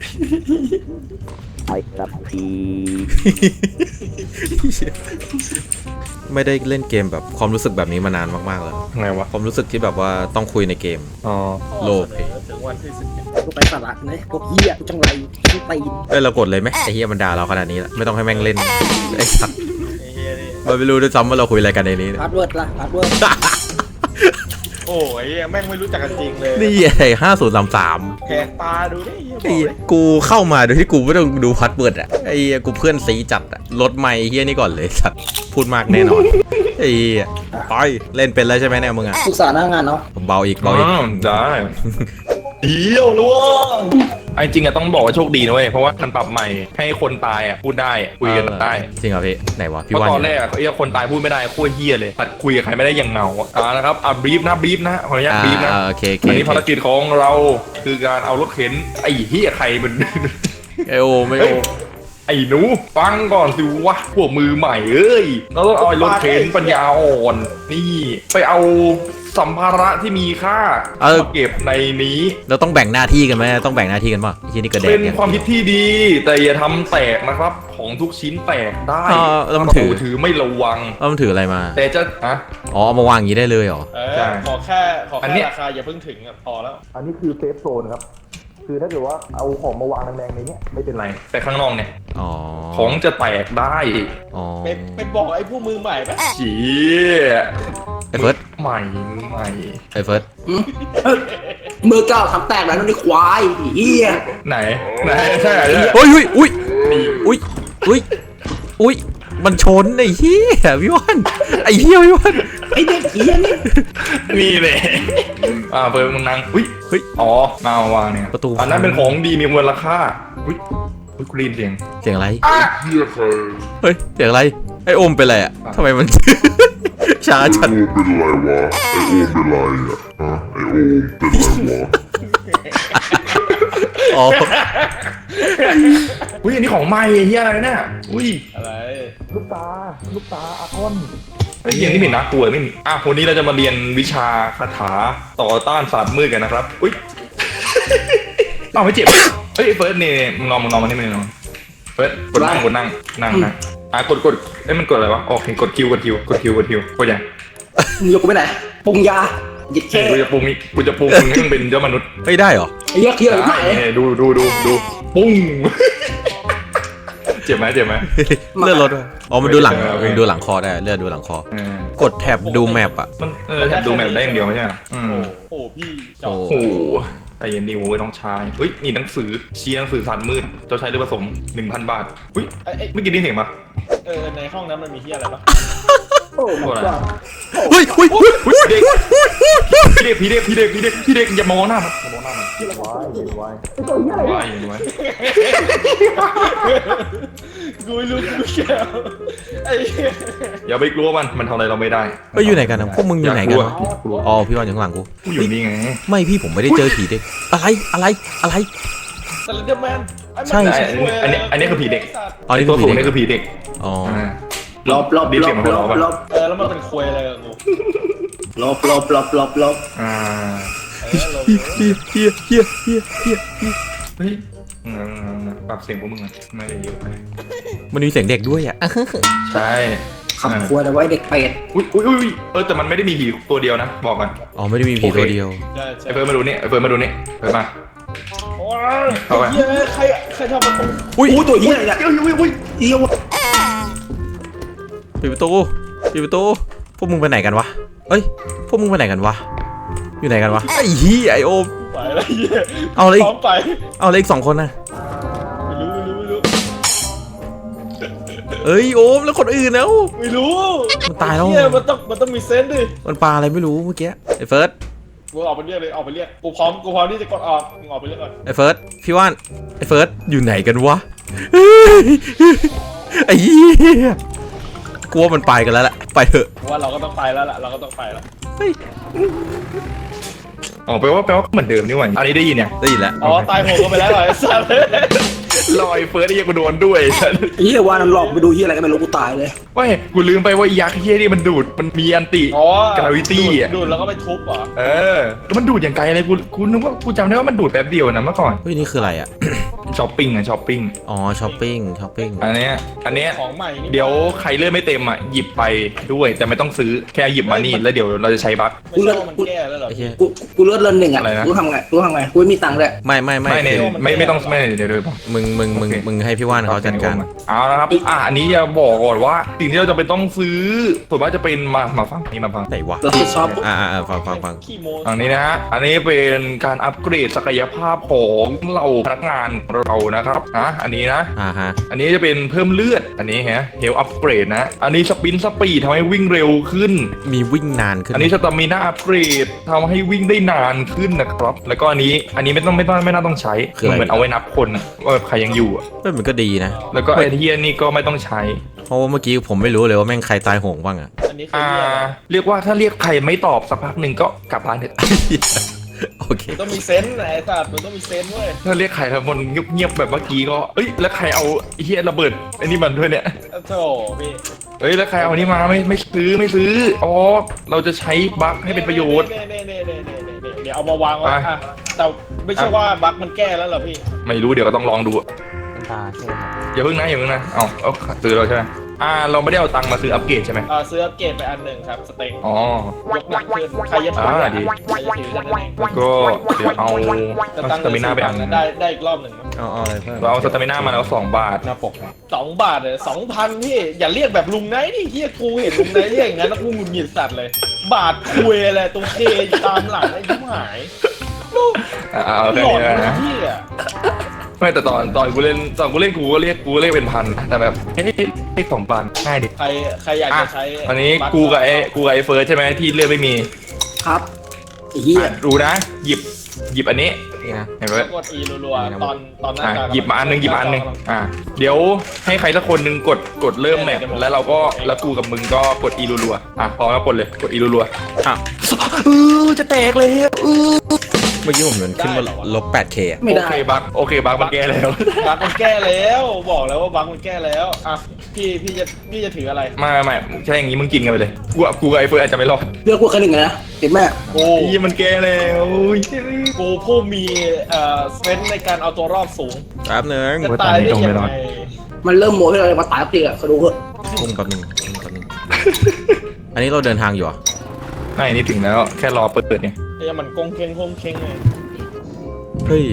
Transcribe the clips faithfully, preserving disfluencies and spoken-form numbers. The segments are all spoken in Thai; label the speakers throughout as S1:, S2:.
S1: ไอ้ครับพี
S2: ไม่ได้เล่นเกมแบบความรู้สึกแบบนี้มานานมากๆเลย
S3: ไงวะ
S2: ความรู้สึกที่แบบว่าต้องคุยในเกม
S3: อ๋อ
S2: โลภ
S4: ถึงวันที่สิบเอ็ด
S1: พวกไร้สาระนะพวกเหี้ยจังไรทั้งตีน
S2: เอ้ยเรากดเลยไหมไอ้เฮียมันด่าเราขนาดนี้แล้วไม่ต้องให้แม่งเล่นไอ้สัตว์
S4: ไอ้เฮียนี่
S2: มันไม่รู้ด้วยซ้ำว่าเราคุยอะไรกันในนี้เนี่ย
S1: พาสเวิร์ดล่ะพาสเวิร์ด
S4: โอ้ยแม่งไม่รู้จักกันจริงเลย
S2: นี่ไอ้ห้าศูนย์สามสาม
S4: แหกตาดูดิเฮียบ
S2: ไอ้
S4: อก
S2: เหี้ย
S4: เลย
S2: กูเข้ามาโดยที่กูไม่ต้องดูพัดเบิร์ดอ่ะไอ้เหี้ยกูเพื่อนซีจัดอ่ะลดไมค์เฮียนี่ก่อนเลยสัตว์พูดมากแน่นอนไอ้เหี้ยไปเล่นเป็นแล้วใช่ไหมเนี่ยมึงอ่ะ
S1: ศึกษาหน้างานเนาะ
S2: เบาอีก
S3: อ๋
S2: เบาอีก
S3: อได้เดียวล่วงไอ้จริงอะต้องบอกว่าโชคดีนะเว้ยเพราะว่ามันปรับใหม่ให้คนตายอะพูดได้อะคุยกันได้
S2: จริงเหรอพี่ไหนวะ
S3: เพ
S2: พี่
S3: ราะ
S2: วัน
S3: ตอนแรกอะไอ้คนตายพูดไม่ได้โคตรเฮี้ยเลยตัดคุยกับใครไม่ได้อย่างเงาอ่านะครับอ่ะบรีฟนะบรีฟนะขออนุญาต
S2: อ่า
S3: บรีฟนะ
S2: อ่าโอเคโอเค
S3: อันนี้ภารกิจของเราคือการเอารถเข็นไอ้เฮี้ยใครมัน
S2: ไอโอไม่โอ
S3: ไอ้หนูฟังก่อนสิวะพวกมือใหม่เอ้ยเราต้องเอาไอ้รถเข็นปัญญาอ่อนนี่ไปเอาสัมภาระที่มีค่ามาเก็บในนี้
S2: เราต้องแบ่งหน้าที่กันไหมต้องแบ่งหน้าที่กันป่ะที่นี่กระเด็น
S3: เป็น
S2: เนี่ย
S3: ความคิดที่ดี แต่อย่าทำแตกนะครับ ของทุกชิ้นแตกได้
S2: อ่าแล้วมันถือ
S3: เราถือไม่ระวัง
S2: แล้วมันถืออะไรมา
S3: แต่จะอะ
S2: อ๋อเอามาวางอย่างนี้ได้เลยเหรอ
S4: เอ
S3: ใช่
S4: อขอแค่ขอ
S3: อัน
S4: แค่
S3: เนี้ย
S4: ราคาอย่าเพิ่งถึงอะพอแล้ว
S5: อันนี้คือเซฟโซนครับ คือถ้าเกิดว่าเอาของมาวางแรงๆในเนี้ยไม่เป็นไร
S3: แต่ข้างนอกเนี่ย
S2: อ๋อ
S3: ของจะแตกได้
S2: อ๋อ
S4: ไปไปบอกไอ้ผู้มือใหม่ปะ
S3: ฉี
S2: ไอ้เฟิร์ส
S3: ใหม่ใหม่
S2: ไอ้เฟิร์ส
S1: มือเก้าทำแตกแล้วนี่ควายเหี้ย
S3: ไหนไหนใช่เหรอเนี่ย
S2: โอ้ยอุ้ยอุ้ยอุ้ยอุ้ยอุ้ยมันชนไอ้เหี้ยพี่วันไอ้เหี้ยพี่วัน
S1: ไอเด็กเหี้ยนี่
S3: นี่เลยอ่าเปิดมึงนั่งอุ้ย
S2: เฮ้ย
S3: อ๋อมาวางเนี่ย
S2: ประตู
S3: อันนั้นเป็นของดีมีมูลค่าอุ้ยอุ้ยกูได้ยินเสียง
S2: เสียงอะไรเฮ้ยเสียงอะไรไอ้โอมเป็นอะไรอ่ะทำไมมัน ช้าจัด
S6: เป็นไรวะไอโอมเป็นไรอ่ะฮะไอโอมเป็นไรวะ
S2: อ๋อ
S3: อุ้ยอันนี้ของใหม่ไอ้เหี้ยอะไรเนี่ยอุ้ย
S4: อะไร
S5: ลูกตา ลูกตาอาคอน
S3: ไอ้เหี้ยนี่มีน่ากลัวไม่มีอ่ะวันนี้เราจะมาเรียนวิชาคาถาต่อต้านศาสตร์มืดกันนะครับ อุ้ย เอาไม่เจ็บ เฮ้ยเฟิร์สนี่มึงลองมึงลองมานี่มึงลองเฟิร์สกดนั่งกดนั่งนั่งนั่งอ่ะกดกดเอ้ยมันกดอะไรวะโอเคกดคิวกดคิวกดคิวกดคิวกดยัง
S1: มึงยกกูไปไหนปรุงยาหยิบแค่
S3: กูจะปรุงนี่กูจะปรุงมึงให้มึงเป็นเจ้ามนุษย์
S2: ไม่ได้เหรอ
S1: ไอ้เหี้ยเที่ยวไหน
S3: ได้ดูดูดูดูปุ้ง เจ็บไหมเจ็บไหม
S2: เลื่อนรถด้วยอ๋อมันดูหลัง
S3: เออโอเค
S2: มันดูหลังคอได้เลื่อนดูหลังคอ
S3: เออก
S2: ดแท็บดูแมปอ่ะ
S3: มันเออแทบดูแมปได้อย่างเดียวไม่ใช่เหรออืม
S4: โอ้โหพี่จอ
S2: โอ้
S4: ด
S3: โอ้โหแต่ยันดีโว้ยน้องชายเฮ้ยมีหนังสือเชียร์หนังสือศาสตร์มืดเจ้าชายเรือผสมหนึ่งพันบาทอุ้ย
S4: ไอ้ไอ้
S3: ไม่อกินได้เห็นปะ
S4: เออในห้องนั้นมันมีที่อะไรปะ
S1: โอ้ my god
S2: เฮ้ยเฮ้ยเฮ้ย
S3: อุ้ยเด็กพี่เด็กพี่เด็กพี่เด็กพี่เด็กพี่เด็กอย่ามองหน้ามันอย่ามองหน้ามัน
S5: ว้ายเด็กว้าย
S3: ว้ายอย่างไว้
S4: กูไม่รู้กูแก้วไอ้เหี้ย
S3: อย่าไปกลัวมันมันทำอะไรเราไม่ได้
S2: เฮ้ยอยู่ไหนกันนะพวกมึงอยู่ไหนกัน
S3: ลัว
S2: วะ
S3: กลัว
S2: อ๋อพี่วันอยู่ข้างหลังกู
S3: กูอยู่นี่ไง
S2: ไม่พี่ผมไม่ได้เจอผีเด็กอะไรอะไรอะไร
S4: สแลนเดอร์แมนไอ้มัน
S2: ใช่
S3: ใช่อันนี้อันนี้คือผีเด็ก
S2: อ๋อนี่
S3: ตั
S2: คือ
S3: ว
S2: ผี
S3: สูง
S2: เด็
S3: นี่
S2: ก
S3: คือผีเด็ก
S2: อ๋อ
S1: ลบลบ
S3: ดี
S1: ล
S3: เสียง
S1: บ
S3: มัน
S1: ล
S3: หัว
S1: บ
S3: เราะ
S1: ล
S3: ปะ
S1: บ
S4: เออแล้วมันเป็นควยอะไรกับกู
S1: ลบลบลบลบลบ
S3: อ่า
S4: เออเรา
S2: เฮียเฮียเฮียเฮียเฮียเฮีย
S3: เฮ้ยอืมปรับเสียงพวกมึงอะไม่ได้เยอะไป
S2: มันมีเสียงเด็กด้วยอ่ะ
S3: ใช่
S1: ขับครัวแต่ว่าไอ้เด็กเป็ด
S3: อุ้ยอุ้ยอุ้ยเออแต่มันไม่ได้มีผีตัวเดียวนะบอกกัน
S2: อ๋อไม่ได้มีผีตัวเดียว
S4: ใช่ใช่
S3: ไอเฟิร์นมาดูนี่ไอเฟิร์นมาดูนี่เฟิร์นมา
S4: โอ้ย
S3: เข้าไป
S4: เหี้ยใครใครทำประตู
S2: อุ้ย
S1: อู้ตัวเหี้ยอะไรเนี่ย
S3: อุ้ยอุ้ยอุ้ย
S1: เหี้ยวะ
S2: ปิดประตูปิดประตูพวกมึงไปไหนกันวะเอ้ยพวกมึงไปไหนกันวะอยู่ไหนกันวะไอ้เฮียไอโอม
S4: ไปแล้วเหี้ย
S2: เอาเลย
S4: พร้อมไป
S2: เอาเลยอีกสองคนนะ
S4: ไม่รู้ไม่รู้ไม่รู้
S2: เอ้ยโอมแล้วคนอื่นแล้ว
S4: ไม่รู้
S2: มันตายแล้ว
S4: เหี้ยมันต้องมันต้องมีเซนส์ดิ
S2: มันปลาอะไรไม่รู้เมื่อกี้ไอ้เฟิร์ส
S4: กูออกไปเรียกเลยออกไปเรียกกูพร้อมกูพร้อมที่จะกดออกมึงออกไปเรียกก่อน
S2: ไอ้เฟิร์สพี่ว่านไอ้เฟิร์สอยู่ไหนกันวะไอ้เหี้ยกลัวมันไปกันแล้วแหละไปเถอะ
S4: กูว่าเราก็ต้องไปแล้วล่ะเราก็ต้องไปแล้ว
S2: เฮ้ย
S3: อ๋อแปลว่าแปลว่าเหมือนเดิมนี่หว่าอันนี้ได้ยินยัง
S2: ได้ยินแล้ว
S4: อ๋อตายโหงกันไปแล้วเหรอไอ้สัส
S3: ลอยเฟิร์สไอ้เหี้ยกูโดนด้วย
S1: ไอ้เหี้ยว่านั้นหลอกไปดูเหี้ยอะไรก็ไม่รู้กูตายเลย
S3: เว้ยกูลืมไปว่ายักษ์เหี้ยนี่มันดูดมันมีอันติ
S4: อ๋อก
S3: ราวิตี้อ่ะ
S4: ดูดแล้วก็ไปทุบเหรอ
S3: เออแล้วมันดูดอย่างไกลเลยกูกูนึกว่ากูจำได้ว่ามันดูดแป๊บเดียวนะเมื่อก่อน
S2: เฮ้ยนี่คืออะไรอ่ะ
S3: ช้อปปิ้งอะช้อปปิ้ง
S2: อ๋อช้อปปิ้งช้อปปิ้ง
S3: อันเนี้ยอันเนี้ย
S4: ของใหม่นี่
S3: เดี๋ยวใครเลื่อนไม่เต็มอ่ะหยิบไปด้วยแต่ไม่ต้องซื้อแค่หยิบมานี่แล้วเดี๋ยวเราจะใช้บัค
S4: ไม่ใช่ว่ามันแก้แล้วเหรอ
S2: ไอ้เหี้ย
S1: กูกูเลือดเลินหนึ่งอ่ะ
S3: อะไรนะ
S1: กูทำไงกูทำไงกูไม่มีตังค์เลย
S2: ไม่ไม่ไม่
S3: ไม่เนี่ย
S2: คือ
S3: ไม่ไม่ต้องไม่เดี๋ยวเดี๋ยว
S2: มึงมึงมึง
S3: โอเค
S2: มึงให้พี่ว่านเขาจัดการ
S3: เอาละครับอ่ะอันนี้จะบอกก่อนว่าสิ่งที่เราจะไปต้องซื้อส่วนมากจะเป็นมามาฟังนี่มาฟัง
S2: ไหนวะ
S1: เราคิดชอบ
S2: อ่าอ่าฟังฟังฟัง
S4: ขี้โม
S3: อันนี้นะฮะอันนี้เป็นการอัปเกรดศักยภาพของเราพนักงานเรานะครับนะอันนี้นะ
S2: อ่าฮะ
S3: อันนี้จะเป็นเพิ่มเลือดอันนี้ฮะเฮลอัปเกรดนะ อันนี้สปินสปีดทำให้วิ่งเร็วขึ้น
S2: มีวิ่งนานขึ้น
S3: อันนี้สตามิน่าอัปเกรดทำให้วิ่งได้นานขึ้นนะครับ แล้วก็อันนี้อันนี้ไม่ต้องไม่ต้องไม่น่าต้องใช้เหมือนเอาไว้นับคนอะว่าแบบใครยังอยู่อะ
S2: เฮ้ยมันก็ดีนะ
S3: แล้วก็ไอเทียนี่ก็ไม่ต้องใช้
S2: เพราะว่าเมื่อกี้ผมไม่รู้เลยว่าแม่งใครตายโหงบ้างอะ
S4: อันนี้คือ
S3: อ่า
S4: เรียกอะไร
S3: เรียกว่าถ้าเรียกใครไม่ตอบสักพักหนึ่งก็กลับบ้านเถอะ
S2: โอเค
S4: มันต้องมีเซนส์ไอ้สัตว์มันต้องมีเซนส์เว้ย
S3: ถ้าเรียกใครทั้งหมดเงียบๆแบบเมื่อกี้ก็เอ้ยแล้วใครเอาไอ้เฮียระเบิดไอ้นี่มันด้วยเนี่ย
S4: โธ่พี่
S3: เอ้ยแล้วใครเอาอันนี้มาไม่ไม่ซื้อไม่ซื้ออ๋อเราจะใช้บัคให้เป็นประโยชน์
S4: เน่เน่เน่เน่เน่เน่เดี๋ยวเอามาวางไว้
S3: ไป
S4: อ่ะแต่ไม่ใช่ว่าบั๊กมันแก้แล้วเหรอพี่
S3: ไม่รู้เดี๋ยวก็ต้องลองดูอะอย่าเพิ่งนะอย่าเพิ่งนะเอาเอาซื้อเราใช่ไหมอ่าเราไม่ได้เอาตังค์มาซื้ออัปเกรดใช่ไหม
S4: เออซื้ออัปเกรดไปอันหนึ่งครับสเต็ง
S3: อ๋อย
S4: กหนักขึ้นใครจะถือ
S3: อ่าดี
S4: ใครจะถือนั่นเอง
S3: แล้วก็เดี๋ยวเอา
S4: จะ
S3: เอา
S4: ตั้
S3: ส
S4: ง
S3: ตามิน่าไปอัน
S4: ได้ได้อีกรอบหนึ่งมั้ง
S2: เอาเอาอะไรเพิ่ม
S3: เราเอาสตามิน่ามาแล้วสองบาท
S4: หน้าปกสองบาทเลยสองพันพี่อย่าเรียกแบบลุงไนท์ดิเฮียกูเห็นลุงไนท์เรียกอย่างนั้นแล้วกูหงุดหงิดสัตว์เลย บาทคุยอะไรตรงเคอยู่ตามหลังไอ้ยิ้มหายลูก
S3: อ่าเอาแค่
S4: หลอ
S3: นี้
S4: ด
S3: แล้ว
S4: เลย
S3: นะ
S4: พี่อ่ะ
S3: ไม่แต่ตอนตอนกูเล่นตอนกูเล่นกูก็เรียกกูก็เรียกเป็นพันนะแต่แบบเฮ้ยเลขสองพันง่ายดิ
S4: ใครใครอยาก
S3: อ่ะ
S4: จะใช้
S3: อันนี้กูกับไอ้กูกับไอ้เฟิร์สใช่ไหมที่เลือดไม่มี
S1: ครับไอ้เหี้ย
S3: อ่ะดูนะ หยิบหยิบอันนี้นี่นะเห็นไหม
S4: กดอีรัวๆตอนตอนหน้า
S3: อ่ะ
S4: ตา
S3: หยิบมาอันหนึงหยิบมาอันหนึงอ่ะเดี๋ยวให้ใครสักคนหนึ่งกดกดเริ่มแมปแล้วเราก็แล้วกูกับมึงก็กดอีรัวๆอ่ะพร้อมแล้วกดเลยกดอีรัว
S2: อ่ะ
S3: ๆเออจะแตกเลยเออ
S2: เมื่อกี้ผมเหมือนขึ้นมาลบ แปดเค อะ
S1: ไม่
S3: โอ
S1: ได้
S3: เคบักโอเคบักมันแก้แล้ว
S4: บั๊กมันแก้แล้วบอกแล้วว่าบั๊กมันแก้แล้วอ่ะพี่พี่จะพี่จะถืออะไร
S3: ไม่ไม่ไม่ใช่อย่างงี้มึงกินกันไปเลยกูกับกูกับไอ้เฟิร์สอาจจะไม่รอด
S1: เลือกพวกแค่หนึ่งอะนะเห็นไหม
S4: กู
S3: ยี่มันแก้แล้วโอ้ย
S4: กูผู้มีเอ่อเซนส์ในการเอาตัวรอดสูง
S2: แป๊บหนึง
S4: จะตายได้ยังไง
S1: มันเริ่มโมให้เรามาตายสักทีอะเขาดูเถอะ
S2: กุ้งแป๊บหนึงกุ้งแป๊บหนึงอันนี้เราเดินทางอยู่เหรอ่ะ
S3: ไม่นี่ถึงแล้วแค่รอเปิดเนี่ย
S4: ไอ้มันกงเค้งกงเค้งเลย
S2: เฮ้ย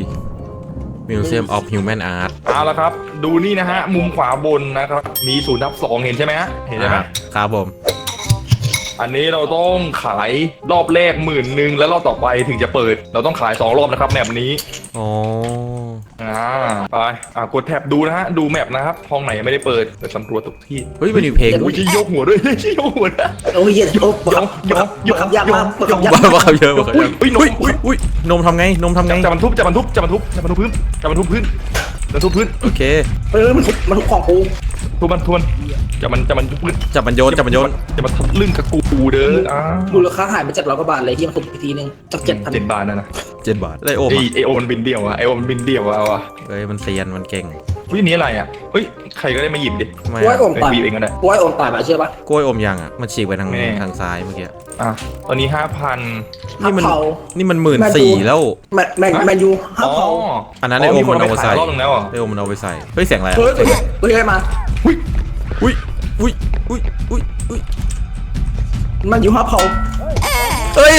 S2: Museum of Human Art
S3: เอาละครับ ดูนี่นะฮะ มุมขวาบนนะครับ มีศูนย์ทับสองเห็นใช่ไหมฮะเห็นใช่ไหม
S2: อ่ะครับผม
S3: อันนี้เราต้องขายรอบแรกหมื่นหนึ่งแล้วรอบต่อไปถึงจะเปิด เราต้องขายสองรอบนะครับแมปนี้
S2: อ๋อ
S3: อ่าไปอ่ากดแท็บดูนะฮะดูแมปนะครับห้องไหนยังไม่ได้เปิดไปสำรวจทุกที่
S2: เฮ้ยมันมีเพลง
S3: อุ้ยชี้ยกหัวด้วย ชี้ยกหัวนะ
S1: โอ้ยเหี้ยโอ้บัก
S3: ยกยก
S1: บักยากมากบักยาก
S2: บ้าบ้าเยอะบ้าเยอะ
S3: อุ้ยน
S2: อุ้ย
S3: ม
S2: อุ้ยอุ้ยนมทำไงนมทำไง
S3: จะบรรทุบจะบรรทุบจะบรรทุบจะบรรทุบพื้นจะบรรทุบพื้นจะบรรทุบพื้น
S2: โอเค
S1: เออมันทุบมันทุบของกู
S3: ทุบมันทวนจะมันจะมันทุบพื้น
S2: จับมันโยนจับมันโยน
S3: จะมาทับลึ่งกับกูเด้ออ่า
S1: มูลค่าหายไปเจ็ดร้อยกว่าบาทเลยที่มันทุบอีกทีนึงจากเจ็ดพัน
S3: เจ็ดบาทนะนะ
S2: เจ็ดบาทได้โอม
S3: ไอ
S2: อ่ะ
S3: ไอโอมันบินเดียวอะไอโอมันบินเดียวอะเอาอะ
S2: เฮ้ยมันเซียนมันเก่ง
S3: วินี้อะไรอะเฮ้ยใครก็ได้มาหยิบดิ
S2: ทำไม
S1: กล้วย
S2: อ่ะ
S1: อม
S3: ไป
S1: ตาย
S3: หยิบเองก็ได้
S1: กล้วยอมตายมาเชื่อปะ
S2: กล้วยอมยังอ่ะมันฉีกไปทาง
S3: แม่
S2: ทางซ้ายเมื่อกี้
S3: อ่ะตอนนี้ห้าพัน
S2: นี่มัน
S1: ห้าเผา
S2: นี่มันหมื่นสี่แล้ว
S1: แมนแมนแมนยูห้า
S3: อ๋อ
S1: เผา
S2: อันนั้นไอโอม
S3: มีค
S2: มัน น
S3: ไป
S2: เอาไป
S3: ขา
S2: ใส่
S3: ยรอบนึงแล้วเหรอ
S2: ไอโอมมันเอาไปใส่เฮ้ยเสียงอะไรอะ
S1: เฮ้ยเฮ้ยเฮ้ยเฮ้ยมา
S2: อุ้ยอุ้ยอุ้ยอุ้ยอุ้ย
S1: มันอยู่ห้าเผา
S2: เฮ้ย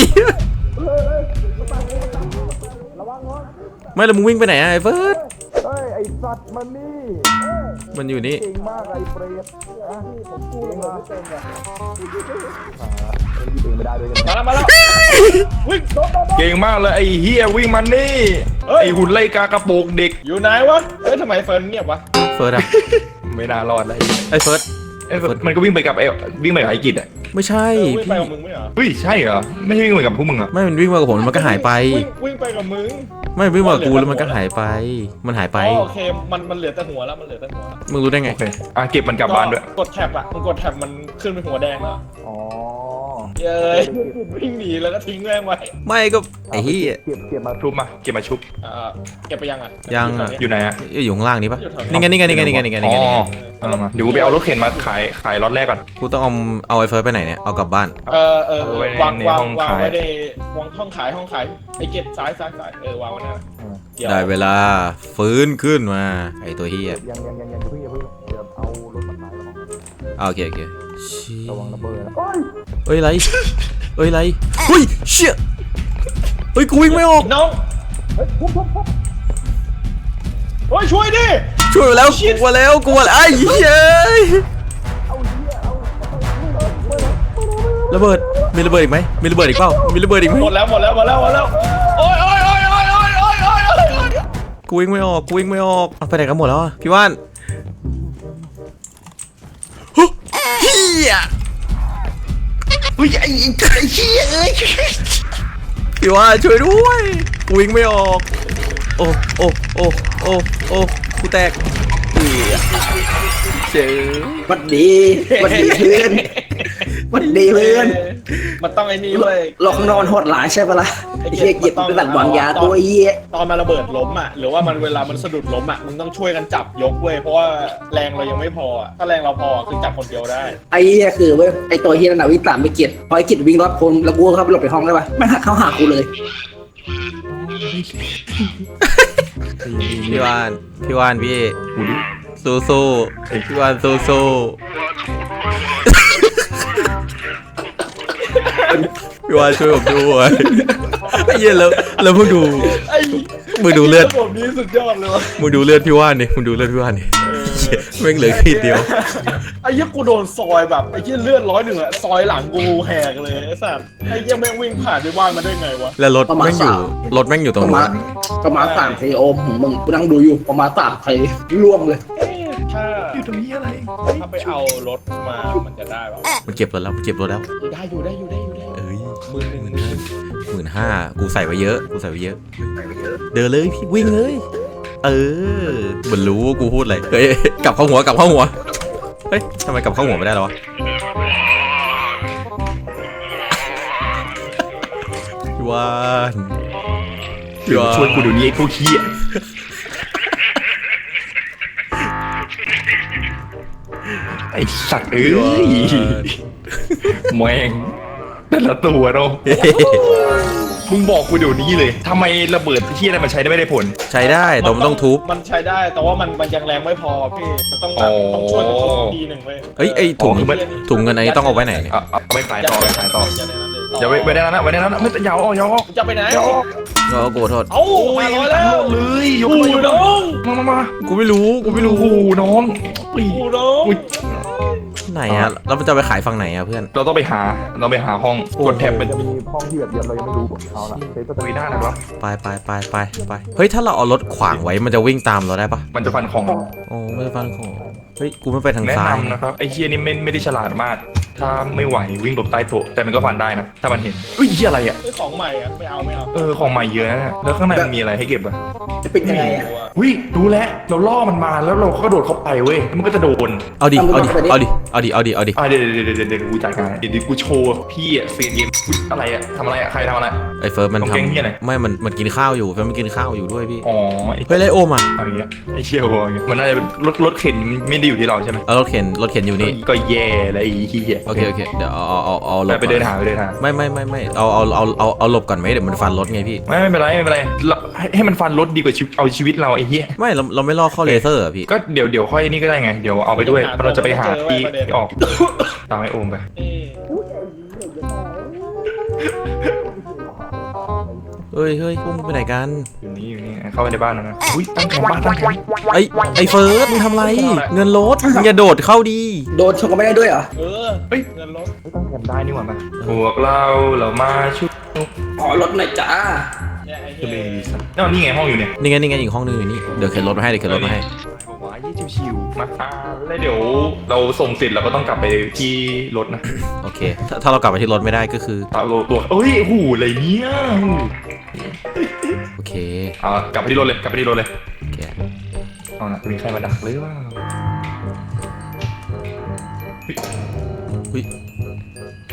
S2: ไม่แล้วมึงวิ่งไปไหนอะไอ้เฟิร์ส
S5: เฮ้ย ไอสัตว์มันนี่
S2: มันอยู่นี่
S5: เก่งมากไอเปรตอ่ะผมกู้เลยไม่เป็นอ่ะอ่าเล่นยิงเองไม่ได้ด้วยกัน
S4: มาแล้วมาแล้ววิ่งโดดโดดโดด
S3: เก่งมากเลยไอเฮียวิ่งมันนี่
S4: เฮ้ย
S3: ไอหุ่นไล่กากระโปรงเด็ก
S4: อยู่ไหนวะเฮ้ยทำไมเฟิร์นเงียบวะ
S2: เฟิร์สอะ
S3: ไม่น่ารอดเลย
S2: ไอ้เฟิร์ส
S3: ไอ้เฟิร์สมันก็วิ่งไปกับไอวิ่งไปกับไอกิจอ่ะ
S2: ไม่ใช่
S4: เออวิ่ง
S2: พี่
S4: ไปกับมึงไม่เหรอ
S3: เฮ้ยใช่เหรอไม่ใช่วิ่งไปกับพวกมึงอ่ะ
S2: ไม่มันวิ่งมากับผมแล้วมันก็หายไป
S4: วิ่งวิ่งไปกับมึง
S2: ไม่วิ่งมากับกูแล้วมันก็หายไป มันหายไป
S4: อ๋อโอเคมันมันเหลือแต่หัวแล้วมันเหลือแต่หัวแล้ว
S2: มึงรู้ได้ไง
S3: โอเคอ่ะเก็บมันกลับบ้านด้วย
S4: กดแท็บอ่ะมึงกดแท็บมันขึ้นเป็นหัวแดงแล้ว
S5: อ๋อ
S4: เย้ยวิ่งหนีแล้วก็ทิ้งแม่งไว้
S2: ไม่ก็ไอ้เหี้ย
S5: เก็บเก็บมา
S3: ชุบมาเก็บมาชุบ
S4: เออเก็บไปยังอ่ะ
S2: ยังอะ
S3: อยู่ไหนอะ
S2: อยู่ข้างล่างนี้ปะนี่ไงนี่ไงนี่ไงนี่ไงนี่ไงนี่
S3: อ๋
S2: ไงนี่ไง
S3: อเอามาเดี๋ยวกูไปเอารถเข็นมาขายขายรถแรกก่อน
S2: กูต้องเอาเอาไอ้เฟิร์สไปไหนเนี่ยเอากลับบ้าน
S4: เออเออ
S3: เอาไว้ใน
S4: วาง
S3: ใน
S4: วาง
S3: ห้อง
S4: วาง
S3: ขาย
S4: ไว้ในวางห้องขายห้องขายไอ้เก็บซ้ายซ้ายซ้ายเออวางไว้นั่นเดี๋ยว
S2: ได้เวลาฟื้นขึ้นมาไอ้ตัวเหี้ย
S5: ยังยังยังยังอย่าเพิ่งอย่าเพิ่งเดี๋ยวเอารถมาขายแล้ว
S2: อ่ะโอเคโอเคชี้
S5: ระวังระเบิดนะ
S2: เอ้ยไรเอ้ยไรเฮ้ยเชี่ยเฮ้ยกูวิ่งไม่ออก
S4: น้องเฮ้ยช่วยดิ
S2: ช่วยมาแล้วกลัวแล้วกลัวแล้วไอ้เหี้ยระเบิดมีระเบิดอีกไหมมีระเบิดอีกเปล่ามีระเบิดอีกไหม
S4: หมดแล้วหมดแล้วหมดแล้วหมดแล้วโอ้ยโอ้ยโอ้ยโอ้ยโอ้ยโอ้ยโอ้ยโอ้ย
S2: กูวิ่งไม่ออกกูวิ่งไม่ออกเอาไปไหนกันหมดแล้วอะพี่ว่านฮึเฮีย
S3: อุ้ยไอ้ไอ้เหี้ยเอ้ย
S2: พี่ว่านช่วยด้วยกูวิ่งไม่ออกโอ้โอ้โอ้โอ้โอ้กูแตกเหี้ยเจ๋อ
S1: วัดดีวัดดีเพื่อนวัดดีเพื่อน
S4: มันต้องไอ้นี่เว้ย
S1: เราข้างนอกมันโหดหลายใช่ปะล่ะไอ้เหี้ยเก็บเป็นแบบวางยาตัวเหี้ย
S4: ตอนมาระเบิดล้มอ่ะหรือว่ามันเวลามันสะดุดล้มอ่ะมึงต้องช่วยกันจับยกเว้ยเพราะว่าแรงเรายังไม่พออ่ะถ้าแรงเราพอคือจับคนเดียวได้
S1: ไอ้เหี้ยคือเว้ยไอ้ตัวเหี้ยนั่นน่ะวิ่งตามไปเกียรพอไอ้เกียรวิ่งรอดพ้นแล้วกูเข้าไปหลบในห้องได้ปะไม่หักเข้าหากูเลย
S2: พี่ว่านพี่ว่านพี่สู้สู้พี่ว่านสู้สู้พี่ว่านช่วยผมด้วยไอ้เหี้ยแล้วแล้วมึงดู
S4: ไอ้
S2: มึงดูเลือด
S4: ระบบนี้สุดยอดเลยวะ
S2: มึงดูเลือดพี่ว่านดิมึงดูเลือดพี่ว่านดิเหี้ยแม่งเหลือขีดเดียว
S4: ไอ้เหี้ยกูโดนซอยแบบไอ้เหี้ยเลือดร้อยหนึ่งอะซอยหลังกูแหกเลยไอ้สัสไอ้เหี้ยแม่งวิ่งผ่านไปบ้านมาได้ไงวะ
S2: แล้วรถแม่งอยู่รถแม่งอยู่ตร
S1: ป
S2: ง
S1: ระ
S2: นู้
S1: มาณ
S2: น
S1: ประมาณสามเทโอมของมึงกูนั่งดูอยู่ประมาณสามเทร่วงเลย
S4: เอ๊ะถ้า
S3: อยู่ตรงนี้อะไร
S4: ถ้าไปเอารถมามันจะได้ปะ
S2: มันเก็บรถแล้วมันเก็บรถแล้ว
S4: ได้อยู่ได้อยู่ได้อยู่ได้อยู่
S2: เอ้ย
S4: หมื่นหนึ่ง
S2: หมื่นห้ากูใส่ไว้เยอะกูใส่ไว้เยอะ เดินเลยพี่วิ่งเลยเออเหมือนรู้ว่ากูพูดอะไรเฮ้ยกลับเข้าหัวกลับเข้าหัวเฮ้ยทำไมกลับเข้าหัวไม่ได้แล้ววะพี่วานพี่วาน
S3: ช่วยกูเดี๋ยวนี้ไอ้พวกเหี้ยไอ้สัตว์เอ้ยแม่งแต่ละตัวเนาะมึงบอกกูเดี๋ยวนี้เลยทำไมระเบิดเหี้ยอะไรมันใช้ได้ไม่ได้ผล
S2: ใช้ได้แต่มันต้องทุบ
S4: มันใช้ได้แต่ว่ามันมันยังแรงไม่พอพี่มันต้องแบบต้องช่วยกันทุบทีหนึ่งเว้ย
S2: เอ้ยไอ้ถุงถุงเงินอันนี้ต้องเอาไว้ไหนเนี่ย
S3: เอาเอาไปขายต่อไปขายต่อ
S4: อย่าได้นั้นเลย
S3: อย่าไว้ไว้ได้แล้วนะไว้ได้แล้วนะไม่ยาวออกยาวออก
S4: จะไปไหน
S3: ยาวออก
S2: ก็กูโทษ
S4: เอ้ามาร้อยแล้ว
S3: เลยยก
S4: กู
S3: เลย
S4: น้อง
S3: มามามา
S2: กูไม่รู้กูไม่รู้
S3: โอ้โหน้องอุ้ย
S4: กูน้อง
S3: อุ้ย
S2: ไหนอะแล้วมันจะไปขายฝั่งไหนอะเพื่อน
S3: เราต้องไปหาเราไปหาห้องกดแท็บเป็น
S5: จะมีห้องที่แบบเดียวเรายังไม่รู้เอาละเซฟก็จะ
S3: ไม่ได้หรอวะ
S2: ไปไปไปไปไปเฮ้ยถ้าเราเอารถขวางไว้มันจะวิ่งตามเราได้ปะ
S3: มันจะฟันของ
S2: โอ้ไม่ได้ฟังของเฮ้ยกูไม่ไปทาง
S3: แนะ
S2: ซ้าย
S3: นำนะครับไอ้เฮียนี่ไม่ไม่ได้ฉลาดมาก ถ้าไม่ไหววิ่งหลบใต้โต๊ะแต่มันก็ฟันได้นะถ้ามันเห็นอุ้ยเฮียอะไรอ่ะ
S4: ซื้อของใหม่อะไม่เอาไม่เอา
S3: เออของใหม่เยอะนะแล้วข้างในมันมีอะไรให้เก็บอ่ะ
S1: จะเป็นยังไงอ่ะ
S3: อุ้ยรู้แล้วเราล่อมันมาแล้วเราก็กระโดดเข้าไปเว้ยมันก็จะโดน
S2: เอาดิเอาดิเอาดิเอาดิเอาดิเอาดิ
S3: อ่ะเดี๋ยวเดี๋ยวเดี๋ยวเดี๋ยวกูจัดการเดี๋ยวเดี๋ยวกูโชว์พี่อ่ะเซียนเกมอุ๊ยอะไรอ่ะทำอะไรอ่ะใครทำอะไร
S2: ไอ้เฟิร์สมัน
S3: ต้องแกล้งเหี้ยอะไร
S2: ทำไม่มันมันกินข้าวอยู่เฟิร์สมันกินข้าวอยู่ด้วยพี่
S3: อ๋อไอ้
S2: เฮ้ยไรโอมอ่ะ
S3: อะไรเงี้ยไอ้เชี่ยวอะไรเงี้ยมันน่าจะเป็นรถรถเข็นไม่ได้อยู่ที่เราใช่ไหม
S2: เอารถเข็นรถเข็นอยู่นี่
S3: ก็แย่เลยไอ้เหี้ย
S2: โอเคโอเคเดี๋ยวเอาเอาเอาเอาหลบ
S3: ไปเดินหาไปเดินหา
S2: ไม่ไม่ไม่ไม่เอาเอาเอาเอาเอาหลบก่อนไหมเดี๋ยวมันฟันรถไงพี่
S3: ไม่ไม่เป็นไรไม่เป็นไรเราให้ให้มันฟันรถดีกว่าชีวิตเอาชีวิตเราไอ้เหี้ย
S2: ไม่เราเราไม่ล่อเข้าเลเซอร์อะพี่
S3: ก็เดี๋ยวเดี๋ยวค่อยนี่ก็ได้ไงเดี๋ยวเอาไปด้วยเพราะเราจะไปหาที่ที่ออกตามไอ้โอมไป
S4: นี่
S2: เฮ้ยเฮ้ยพวกมึงไปไหนกัน
S3: อยู่นี่อยู่นี่เข้าไปในบ้านแล้วนะอุ้ยตั้งแคมป์บ้านตั้งแคมป์
S2: ไอ้ไอ้เฟิร์สมึงทำไรเงินรถมึงอย่าโดดเข้าดี
S1: โดนชนก็ไม่ได้ด้วยเหรอ
S4: เออ
S3: เฮ้ย
S4: เงินรถ
S3: ไม่ต้องแคมป์ได้นี่หว่ามาพวกเราเรามาชุบ
S1: ขอรถหน่อยจ้า
S4: เนี่ยไอ้
S3: จะ
S4: เหี้
S3: เป็น
S4: ย
S3: ดีสักนี่ไงห้องอยู่เนี่ย
S2: นี่ไงนี่ไงอีกห้องนึงอยู่นี่เดี๋ยวเข็นรถมาให้เดี๋ยวเข็นรถมาให้
S3: บอกว่ายี่ชิวๆมาอ่าแล้วเดี๋ยวเราส่งเสร็จเราก็ต้องกลับไปที่รถนะ
S2: โอเคถ้าถ้าเรากลับไปที่รถไม่ได้ก็คือ
S3: ตาโลตัวเอ้ยหูอะไรเนี่ย
S2: โอเค
S3: เอากลับไปที่รถเลยกลับไปที่รถเลย
S2: โอเค
S3: เอานะจะมีใครมาดักหรือเปล่า
S2: เฮ้ย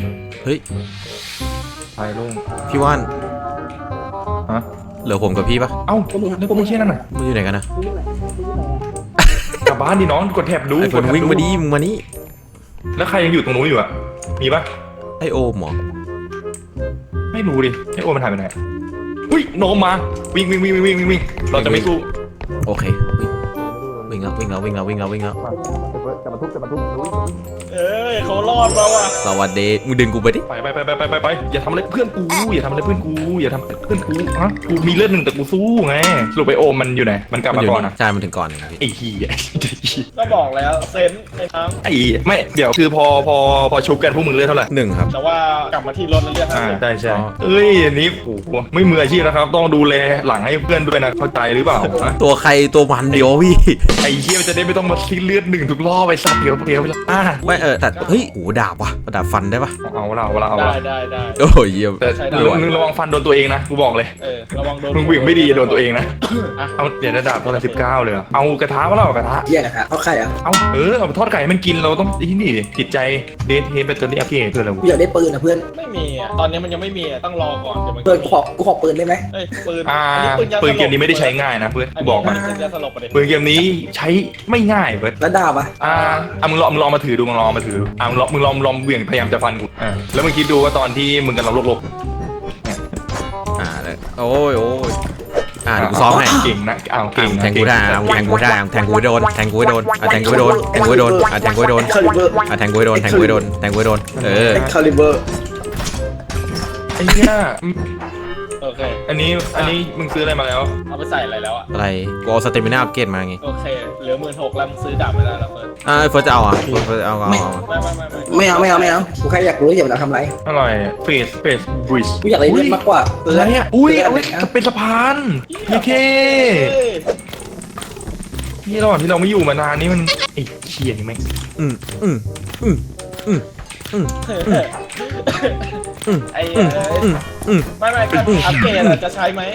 S2: เฮ้ย
S3: ไปลง
S2: พี่ว่าน
S3: ฮะ
S2: เหลือผมกับพี่ปะ
S3: เอ้าก็มึงแล้วก็มึงเช่นนั่นน่ะ
S2: มึงอยู่ไหนกันนะ
S3: กลับบ้านดิน้องกดแท็บดู
S2: ไอ้ฝ
S3: ก
S2: น
S3: ดแท็บ
S2: วิ่งมาดิมึงมานี่
S3: แล้วใครยังอยู่ตรงนู้นอยู่อ่ะมีปะ
S2: ไอโอมเหรอ
S3: ไม่รู้ดิไอโอมันหายไปไหนอุ้ยโนมมาวิ่งวิ่งวิ่งวิ่งวิ่งวิ่งเราจะไม่สู้
S2: โอเควิ่งวิ่งแล้ววิ่งแล้ววิ่งแล้ววิ่งแล้ววิ่งแล้ว
S5: จะมาทุบจะมาทุบจะมาทุบ
S4: เอ้ยเขารอดมาว่ะ
S2: สวัสดีมึงดึงกูไปดิ
S3: ไปไปไปไปไปไปไปอย่าทำอะไรเพื่อนกูอย่าทำอะไรเพื่อนกูอย่าทำเพื่อนกูฮะกูมีเลือดหนึ่งแต่กูสู้ไงสรุปไอโอมมันอยู่ไหนมันกลับ
S2: มัน
S3: มา
S2: อยู่
S3: ก่อน
S2: นี่
S3: นะ
S2: ใช่มันถึงก่อนพี่
S3: ไอ้เหี้ย
S4: ก็บอกแล้วเซนในน้
S3: ไอ้ไม่เดี๋ยวคือพอพอพอชุบกันพวกมึงเลือดเท่าไหร่
S2: หนึ่งครับ
S4: ำแต่ว่ากลับมาที่รถแล้วเรียกห้า
S3: อ่า
S4: สิบ
S3: ใช่ใช่เอ้ยอันนี้โอ้โหไม่มืออาชีพนะครับ ต้องดูแลหลังให้เพื่อนด้วยนะเข้าใจหรือเปล่าฮะ
S2: ตัวใครตัวมันเดียวพี่
S3: ไอ้เหี้ยมันจะได้ไม่ต้องมาซีเลือดหนึ่งทุกรอบไปสัตว์เดียวเดียวไปละอ่า
S2: ไม่เออแต่เฮ้ยโหดาบว่ะดาบฟันได้ปะ
S3: เอาละเอาละเอา
S4: ได้
S3: ละ
S4: ได้ได้
S2: โอ้ยเยี่ยม
S3: แต่
S4: ใช้ได้
S3: มึงระวังฟันโดนตัวเองนะกูบอกเลย
S4: เออระวังโดน
S3: มึงวิ่งไม่ดีโดนตัวเองนะ
S4: อ่ะ
S3: เอาเดี๋ยวระดับตัวละสิบเก้าเลยเหรอเอากระทะมาแล้วกระทะ
S1: แย่กระทะเอาไข่อ่ะ
S3: เอาเออเอาไปทอดไก่ให้มันกินเราต้องที่นี่จิตใจเดทเฮดแบตเตอรี่อัพเกรดคืออะไร
S1: กูอยากได้ปืนนะเพื่อน
S4: ไม่มีอ่ะตอนนี้มันยังไม่มีอ่ะต้องรอก่อนเดี๋ยวมัน
S1: เพื่อนกูขอกูขอปืนได้ไหม
S4: เอ้ยปืน
S3: อ่า
S4: อันนี้ปืนยาสลบ
S3: ปืนเกมนี้ไม่ได้ใช้ง่ายนะเพื่อน
S4: อัน
S3: กู
S4: นี้
S3: บอกมา
S4: ปืนยาสลบไปดิ
S3: ปืนเกมนี้ใช้ไม่ง่ายเว้ย
S1: แล้วดาบอ่ะ
S3: อ่าอ่ะมึงลองมึงลองมาถือดูมึงลองมาถืออ่ะมึงลองมึงลองมึงลองเหวี่ยงพยายามจะฟันกูอ่าแล้วมึงคิดดูว่าตอนที่มึงกำลังลบ
S2: อ่าเลยโอ้ยโอ้ยอ่าเดี๋ยวกูซ้อมให้
S3: เก่งนะอ้าว
S2: อ่ะ
S3: เก่ง
S2: แทงกูได้อ่ะแทงกูได้อ่ะแทงกูให้โดนแทงกูให้โดนอ่ะแทงกูให้โดนแทงกูให้โดนอ่ะแทงกูให้โดน
S1: คาลิเบอร์
S2: อ่ะแทงกูให้โดนแทงกูให้โดนแทงกูให้โดนเออ
S1: คาลิเบอร์
S3: ไอ้เนี่ย
S4: โอเค
S3: อันนี้อันนี้มึงซื้ออะไรมาแล้ว
S4: เอาไปใส่อะไรแล้วอ่ะ
S2: อะไรกูเอาสเตมิน่าอัปเกรดมาไง
S4: โอเคเหลือหมื่นหกแล้วมึงซื้อดาบไม่ได้แล้วเฟิร์น
S2: อ่าเฟิร์สจะเอาอ่ะเฟิร์สจะเอาเอาเอา
S4: ไม่ไม่ไม่ไม่
S1: ไม่เอาไม่เอาไม่เอากูแค่อยากรู้อยากจะทำอะไร
S3: อร่อยเฟสเฟสบริส
S1: กูอยากได้เลือดมากกว่า
S3: อะไรอ่ะอุ้ยเอาไว้
S1: เลืด
S3: จะเป็นสะพานโอเค
S4: เอ้ย
S3: ที่ระหว่างที่เราไม่อยู่มานานนี่มันไอ้เชี่ยนี่แม่ง
S2: อืมอืมอืมอืมอืม อืม
S4: ไอ้เอ้ย
S2: อืมอืม
S4: ไม่ไม่การอัปเกรดอะจะใช้ไหม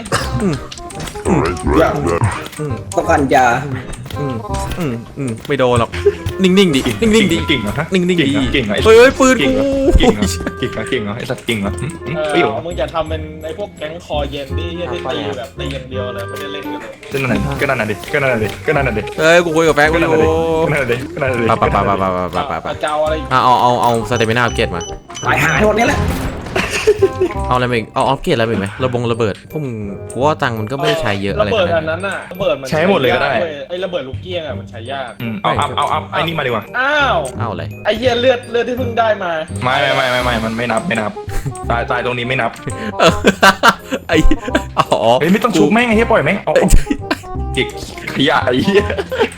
S6: Alright, right, right.
S2: อืม
S1: ต้องการยา
S2: อืมอืมอืมไม่โดนหรอกนิ่งๆดินิ่งๆดิ
S3: เก่งเหรอฮะ
S2: นิ่งๆดิ
S3: เก่งเหรอ
S2: เฮ้ยเฮ้ยปืน
S3: เก่ง
S2: กู
S3: เหรอเก่งเหรอเก่งเหรอเก่งเหรอไอ้สัตว์เก่งเหรอ
S4: เอ
S3: เฮ้ย
S4: อมึงอย่าทำเป็นไอ้พวกแก๊งคอเย็นที่ที่ตีแบบตีอย่างเดียวเลยไม่ได้เล่นกันเลย
S3: ก็นั่นน่ะก็นั่นน่ะดิก็นั่นน่ะดิก็นั่นน่ะดิ
S2: เฮ้ยกูคุยกับแฟนกู
S3: ก็
S2: อ
S3: นั่น
S2: ยู่
S3: น่ะดิก็นั่นน่ะดิก็นั่นน่ะดิ
S2: ปะปะปะปะปะปะปะปะ
S4: เอาเจ้าอะไรอีก
S2: อ่ะเอาเอาเอาสเตมิน่าอัปเกรดมา
S1: ตายหายหมดนี้แหละ
S2: เอาอะไรมาอีกเอาอัปเกรดอะไรมาอีกไหมระบงระเบิดพวกมึงกูว่าตังค์มันก็ไม่ได้ใช้เยอะอะไร
S4: ระเบิด
S2: ขนา
S4: อั
S2: ด
S4: น
S2: นั้น
S4: นั้นน่ะระเบิดมัน
S3: ใช้หมดเลยก็ได้
S4: ว้ไอ้ระเบิดลูกเกี้ยงอะมันใช้ยาก
S3: อืมเอาอัพเอาอัพไอ้นี่มาดีกว่า
S4: อ้าว
S2: เอาอะไร
S4: ไอ้เหี้ยเลือดเลือดที่เพิ่งได้มา
S3: ไม่ไม่ไม่ไม่ไม่มันไม่นับไม่นับตายตายตรงนี้ไม่นับ
S2: เออไอ้อ๋อ
S3: เฮ้ยไม่ต้องชุบแม่งไอ้เหี้ยปล่อยแม่งเอาเอาเด็กขยะไอ้เหี้ย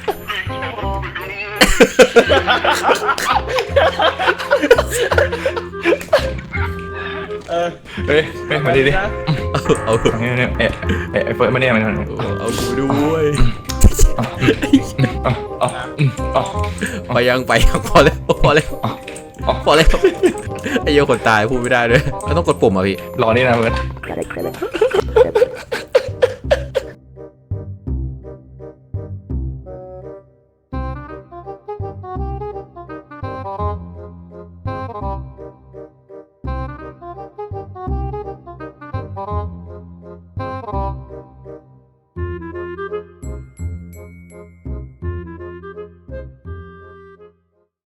S4: เออ
S3: เฮ้ยเฮ้ยมาดิดิ
S4: นะ
S2: เอา
S3: เนี่ยเนี่ยเอ๊ะเอ๊ะไอ้เฟิร์สมาเนี่ยมัน
S2: เอากูด้วย
S3: เอาเอาเอา
S2: ไปยังไปยังพอแล้วพอแล้วพอแล้วไอ้เหี้ยคนตายพูดไม่ได้ด้วยแล้วต้องกดปุ่มอ่ะพี่
S3: รอนี่นะเฟิร์ส